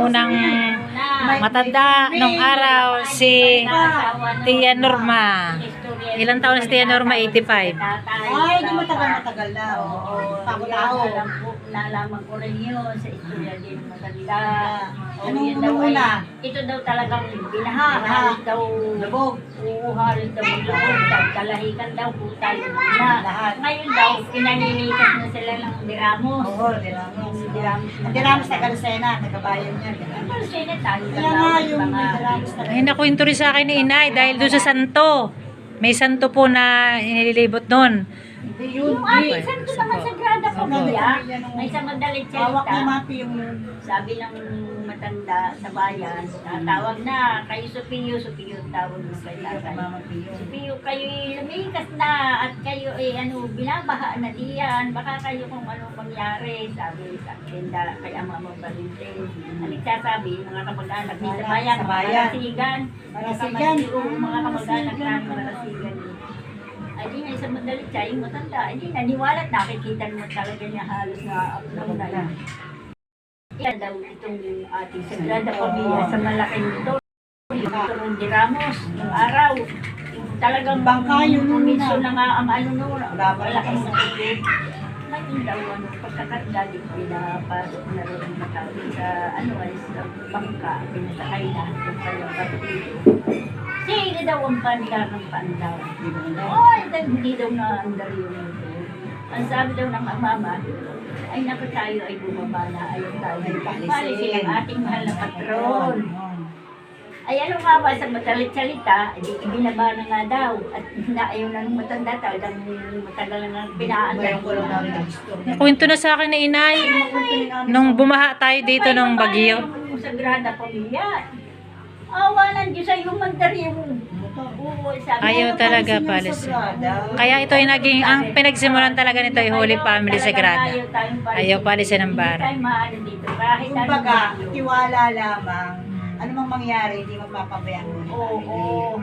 unang matanda nung araw, si Tia Norma. Ilang taon na si Tia Norma? 85. Ay, di matagal na. Pako-tao. Nalaman ko rin yun sa istorya din matanda. Anong una? Ito daw talagang binaha. Halos daw Lubog. halos daw lubog. Kalahikan daw putal na. Ngayon daw, pinanilikas na sila ng diramos. Oo, Diramos na Kalusena, nagkabayan niya. Pero sila tayo Kaya nga yung Diramos na Ay, nakwento rin sa akin ni Inay dahil doon sa santo. May santo po na inililibot noon. yung ating santo naman sa Grada Pamilya, may sa madalit hawak ni salita. Mapi yung Sabi ng matanda sa bayan, tawag na, kayo Supiyo tawag mo kay tatay. Supiyo, kayo lumikas na at kayo binabaha na diyan, baka kayo kung ano mangyari, sabi sa tenda kay Mama Valentin. Ang nagsasabi, mga kamag-anak din sa bayan, mga marasigan, mga kamag-anak na marasigan. Ay di nga isang madalit siya, yung matanda, ay di naniwala at nakikita mo talaga niya halos na na yan. Yan daw itong ating Sagrada Pamilya sa malaking ito. Yung Turon de Ramos, yung araw. Yung talagang Bangka yun pumiso na nga ang malaking sakit. Ngayon daw, pagkakanda din pinapasok na rin ang matawin sa sa bangka, pinasakay na yung kanyang kapatid. Sino daw ang panda ng pandaw? Ay, hindi daw na-andar yung ito. Ang sabi daw ng mama, ay naku tayo ay bumaba na, ayaw tayo. Palisin ang ating mahal na patron. Ay ano nga ba sa matalit salita, di ibinaba na nga daw. At ayaw na nung matanda, talagang matagal na pinaandar ko lang. Nakwento na sa akin ni Inay nung bumaha tayo dito ng bagyo. Yung Sagrada Pamilya. Awalan Diyos ay humandar yung Ayaw talaga palis. Kaya ito ay naging, ang pinagsimulan talaga nito ay Holy Family Sagrada. Ayaw palisin ng bara. kumbaga, tiwala lamang. Ano mang mangyari, hindi magpapabayaan mo. Oo.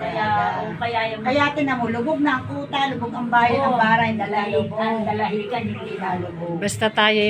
Kaya yung Kaya tinan mo, lubog na ang kuta, lubog ang bayan, ang baray, ang dalahigan, hindi lalubog. Basta tayo ay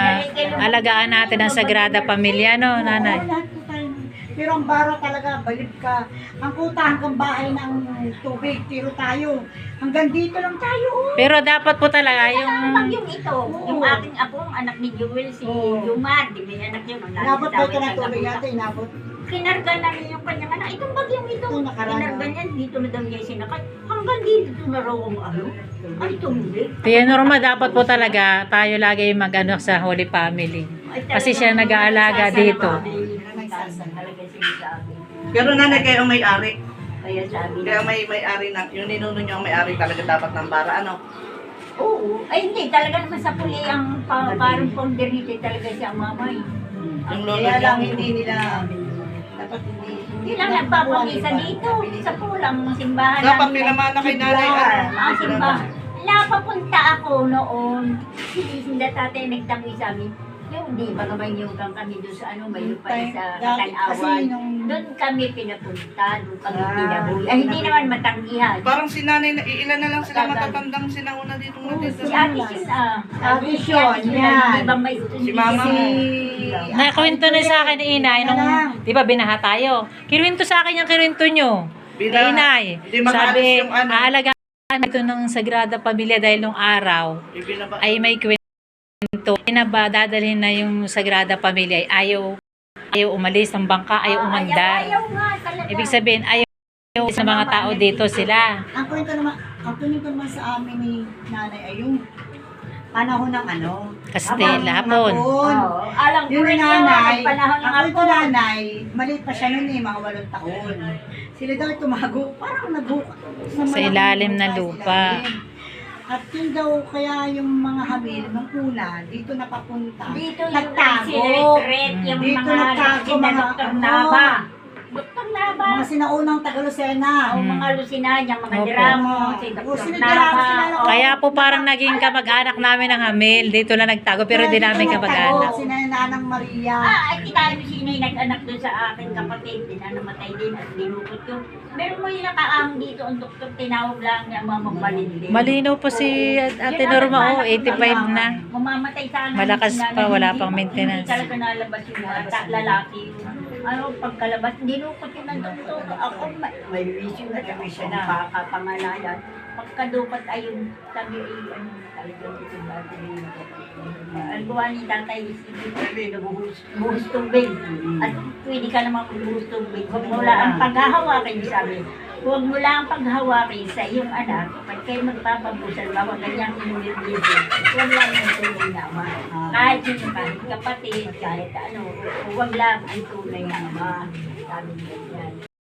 alagaan natin ang Sagrada Pamilya, no, nanay? Oo, lahat po tayo. Pero ang bara talaga, balik ka. Ang kuta hanggang bahay ng tubig, tiro tayo. Hanggang dito lang tayo. Pero dapat po talaga Yung yung ito, yung aking apong anak ni Jewel, si Jumar, di ba yung anak yun? Inabot ba ito ng tubig natin? Inabot. Kinarga na niya yung kanyang anak. Itong bagyong ito. Ito, nakaraan, Kinarga niya, dito na daw niya sinakay. Hanggang dito na raw ang ay tumuli. Kaya normal, dapat po talaga tayo lagi mag-ano sa Holy Family. Kasi siya nag-aalaga dito. Talaga sinasabi. Pero nanay kayo ang may-ari. Kaya sabi Kaya may-ari na, yung ninuno nyo ang may-ari talaga dapat ng bara, ano? oo. Ay hindi, talaga naman sa puli ang parang ponderite talaga siya ang mamay. Yung lolo Kaya lang nyo. hindi nila, dapat hindi. Hindi lang nagpapamisa dito sa pulang simbahan. Dapat namin. pinamana kay nanay, Ang simbahan. Napapunta ako noon. Hindi tatay nagtangoy sa amin. Yung di ba naman yung kami doon sa mayroon pa sa Katanawan. Doon kami pinapunta, doon kami pinabuhi. Ay, hindi naman matanggihan. Parang si nanay, ilan na lang sila matatandang sinauna dito natin. Si Ate Sin, Ate Sin, yan. Di ba may Si Mama. Nakwento na sa akin ni Inay nung, di ba binaha tayo? Kinuwento sa akin yung kinuwento nyo. Binaha. Inay, Hindi makaalis sabi, yung ano. aalagaan ito ng Sagrada Pamilya dahil nung araw Ibinaba. ay may kwento. Ba dadalhin na yung Sagrada Pamilya ay ayaw umalis ng bangka, ayaw umandar. Ayaw nga talaga. Ibig sabihin, ayaw sa mga tao dito sila. Ang kwento naman sa amin ni nanay ay yung panahon ng Kastila, hapon. Oo, alam ko Yung rin nanay, yung panahon ng ang kwento hapon. nanay, maliit pa siya noon mga 8 taon. Sila daw tumago, parang nagbuka. Sa ilalim ng lupa. At yun daw, kaya yung mga hamil, nung una, dito napapunta. Dito yung nagtago. nagsiretret, yung Dito mga nagtago, sina mga Dr. Nava. Dr. Nava ba? Mga sinaunang Tagalusena. O mga Lusinanya, mga Opo. Diramo, si O, Dr. sino Nava. Diramo, sila o- Kaya po parang naging kamag-anak namin ng Hamil. Dito lang nagtago, pero di namin kamag-anak. Si Nanang Maria. Ay, kita mo sino yung nag-anak doon sa aking kapatid, din na namatay din at dinukot yung. Meron mo yung nakaahang dito, ang doktor tinawag lang niya mga magbalin din. Malinaw po si Ate Norma, 85 na. Mamamatay sana. Malakas yung pa, wala hindi- pang maintenance. Hindi talaga nalabas yung bata, lalaki yung ano, pagkalabas, dinukot yun ng doktor. Ako, may vision na kami siya na kakapangalayan. Pagkadupat ayun, sabi ay, ano, talagang ito ba, ang gawa ni tatay is buhos tubig. At pwede ka naman buhos tubig. Huwag mo lang ang paghahawakin, sabi. Huwag mo lang ang paghahawakin sa iyong anak. Pag kayo magpapabusal, bawang ganyang inulit dito. Huwag lang yung tunay na ama. Kahit sino, kahit kapatid, kahit ano, huwag lang ang tunay na ama. Sabi niya yan.